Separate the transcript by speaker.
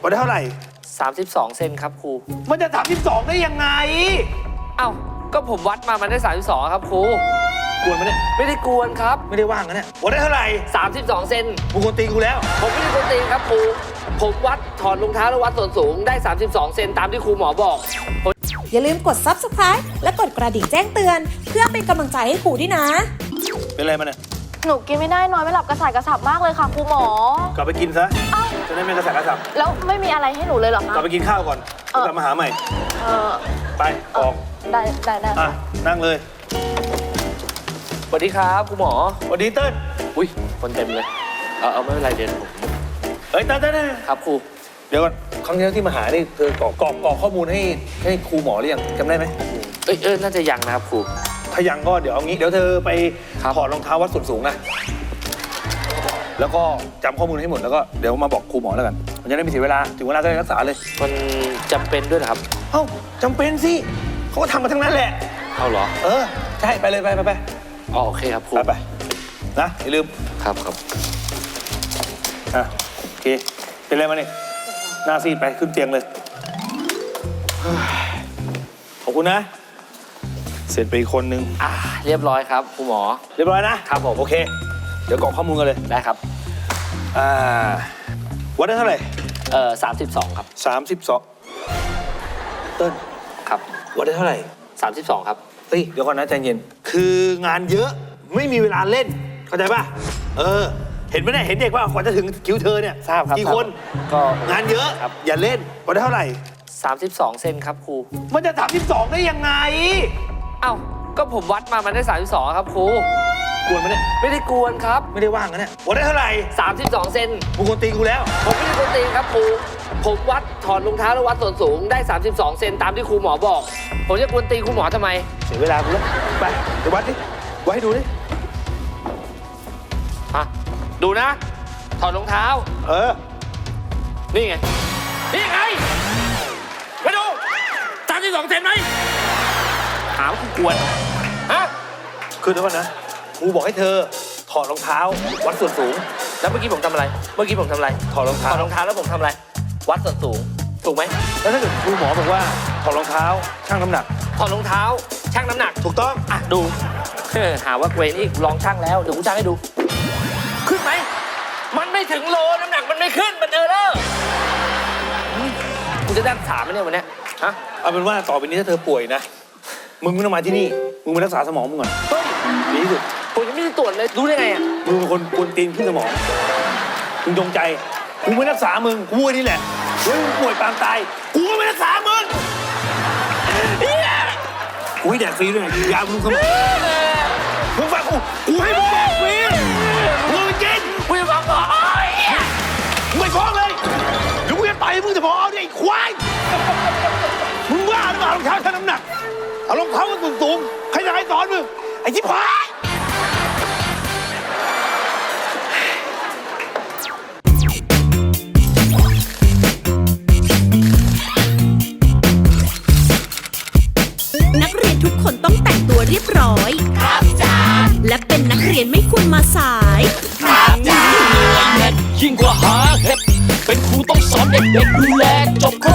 Speaker 1: วัดได้เท่าไหร่
Speaker 2: 32 เซนครับครู
Speaker 1: มันจะ32ได้ยังไง
Speaker 2: เอ้าก็ผมวัดมามันได้32ครับครู
Speaker 1: กวนมันเนี่ย
Speaker 2: ไม่ได้กวนครับ
Speaker 1: ไม่ได้ว่างนะเนี่ยวัดได้เท่าไหร่
Speaker 2: 32 เซน
Speaker 1: มึงกวนตีกูแล้ว
Speaker 2: ผมไม่ได้กวนตีครับครูผมวัดถอดรองเท้าแล้ววัดส่วนสูงได้32 เซนตามที่ครูหมอบอก
Speaker 3: อย่าลืมกด Subscribe และกดกระดิ่งแจ้งเตือนเพื่อเป็นกำลังใจให้ครูด้วยนะ
Speaker 1: เป็นไรมันเนี่ย
Speaker 4: หนูกินไม่ได้นอนไม่หลับกระส่ายกระสับมากเลยค่ะครูหมอก
Speaker 1: ลับไปกินซะจะได้ไม่กระสับกระสับ
Speaker 4: แล้วไม่มีอะไรให้หนูเลยเหรอคะ
Speaker 1: กลับไปกินข้าวก่อนกลับมาหาใหม่ไปออก
Speaker 4: ได้
Speaker 1: นั่งเลย
Speaker 2: สวัสดีครับครูหมอ
Speaker 1: สวัสดีเติ้ล
Speaker 2: อุ้ยคนเต็มเลยเอาไม่เป็นไรเดี๋ยวผม
Speaker 1: เฮ้ยเติ้ล
Speaker 2: ครับครู
Speaker 1: เดี๋ยวก่อนครั้งที่มาหานี่เธอกรอกข้อมูลให้ครูหมอหรือยังจำได้ไหม
Speaker 2: น่าจะยังนะครับครู
Speaker 1: ถ้ายังก็เดี๋ยวเอางี้เดี๋ยวเธอไปถอดรองเท้าวัดส่วนสูงนะแล้วก็จำข้อมูลให้หมดแล้วก็เดี๋ยวมาบอกครูหมอแล้วกันมันจะได้ไม่เสียเวลาถึงเวลาก็ได้รักษาเลย
Speaker 2: มันจำเป็นด้วยเหรอครับ
Speaker 1: จำเป็นสิเขาก็ทำมาทั้งนั้นแหละ
Speaker 2: เอาเหรอ
Speaker 1: ใช่ไปเลยไป
Speaker 2: โอเคครับครู
Speaker 1: ไปนะอย่าลืม
Speaker 2: ครับ
Speaker 1: โอเคเป็นไรมาเนี่ยหน้าซีดไปขึ้นเตียงเลยขอบคุณนะเสร็จไปอีกคนนึง
Speaker 2: เรียบร้อยครับครูหมอ
Speaker 1: เรียบร้อยนะครับผมโอเคเดี๋ยวกรอกข้อมูลกันเลย
Speaker 2: ได้ครับ
Speaker 1: วัดได้เท่าไหร่
Speaker 2: 32ครับ
Speaker 1: 32เติ้ล
Speaker 2: ครับ
Speaker 1: วัดได้เท่าไหร่
Speaker 2: 32ครับ
Speaker 1: เฮ้ยเดี๋ยวก่อนนะใจเย็นคืองานเยอะไม่มีเวลาเล่นเข้าใจป่ะเห็นไหมเนี่ยเห็นเด็กว่ากว่าจะถึงคิวเธอเนี่ย
Speaker 2: ทราบครับ
Speaker 1: กี่คน
Speaker 2: ก็
Speaker 1: งานเยอะอย่าเล่นวัดได้เท่าไหร่
Speaker 2: 32 เซนครับครู
Speaker 1: มันจะ32ได้ยังไง
Speaker 2: เอ้าก็ผมวัดมามันได้32ครับครู
Speaker 1: กวนมันเนี่ย
Speaker 2: ไม่ได้กวนครับ
Speaker 1: ไม่ได้ว่างนะเนี่ยวัดได้เท่าไหร่
Speaker 2: 32 เซน
Speaker 1: มึงกวนตีกูแล้ว
Speaker 2: ผมไม่ได้กวนตีครับครูผมวัดถอดรองเท้าแล้ววัดส่วนสูงได้32 เซนตามที่ครูหมอบอกผมจะกวนตีครูหมอทำไม
Speaker 1: เสียเวลากูแล้วไปเดี๋ยววัดดิวัดให้ดูดิ
Speaker 2: ดูนะถอดรองเท้า
Speaker 1: นี่ไง
Speaker 2: มาดู32 เซนไหมถามกูกวน
Speaker 1: คือเดี๋ยวก่อนนะครูบอกให้เธอถอดรองเท้าวัดส่วนสูง
Speaker 2: แล้วเมื่อกี้ผมทำอะไร
Speaker 1: ถอดรองเท้า
Speaker 2: แล้วผมทำอะไรวัดส่วนสูงถูกไหม
Speaker 1: แล้วถ้าเกิดครูหมอบอกว่าถอดรองเท้าชั่งน้ำหนัก
Speaker 2: ถอดรองเท้าชั่งน้ำหนัก
Speaker 1: ถูกต้อง
Speaker 2: ดูหาว่าเกรนอีกลองชั่งแล้วเดี๋ยวกูชั่งให้ดูขึ้นไหมมันไม่ถึงโลน้ำหนักมันไม่ขึ้นมันกูจะได้รักษาไหมเนี่ยวันนี้
Speaker 1: เอาเป็นว่าต่อไปนี้ถ้าเธอป่วยนะมึงไม่ต้องมาที่นี่มึงไปรักษาสมองมึงก่อนดีที่สุด
Speaker 2: ผมยังไม่ได้ตรวจเลยรู้ได้ไง
Speaker 1: มึงเป็นคนกวนตีนขึ้นสมองมึงจงใจกูไม่รักษามึงกูนี่แหละมึงป่วยปางตายกูก็ไม่รักษามึงกูให้แดกฟรีด้วยยาบำรุงสมองมึงฟังกูให้มึงแดกฟรีมึงไปกิน
Speaker 2: กูจะบอก
Speaker 1: มึงไปฟ้องเลยเดี๋ยวกูจะต่อยมึงจะพอเนี่ยไอ้ควายมึงว่าหรือเปล่ารองเท้าชั่งน้ำหนักเอารองเท้ามันสูงใครจะให้สอนมึงไอ้ชิบหาย
Speaker 3: นักเรียนทุกคนต้องแต่งตัวเรียบร้อยครับจ้าและเป็นนักเรียนไม่ควรมาสายครับจ้า
Speaker 5: ยิ่งกว่าหาเห็ดเป็นครูต้องสอนเด็กๆดูแลจบครบ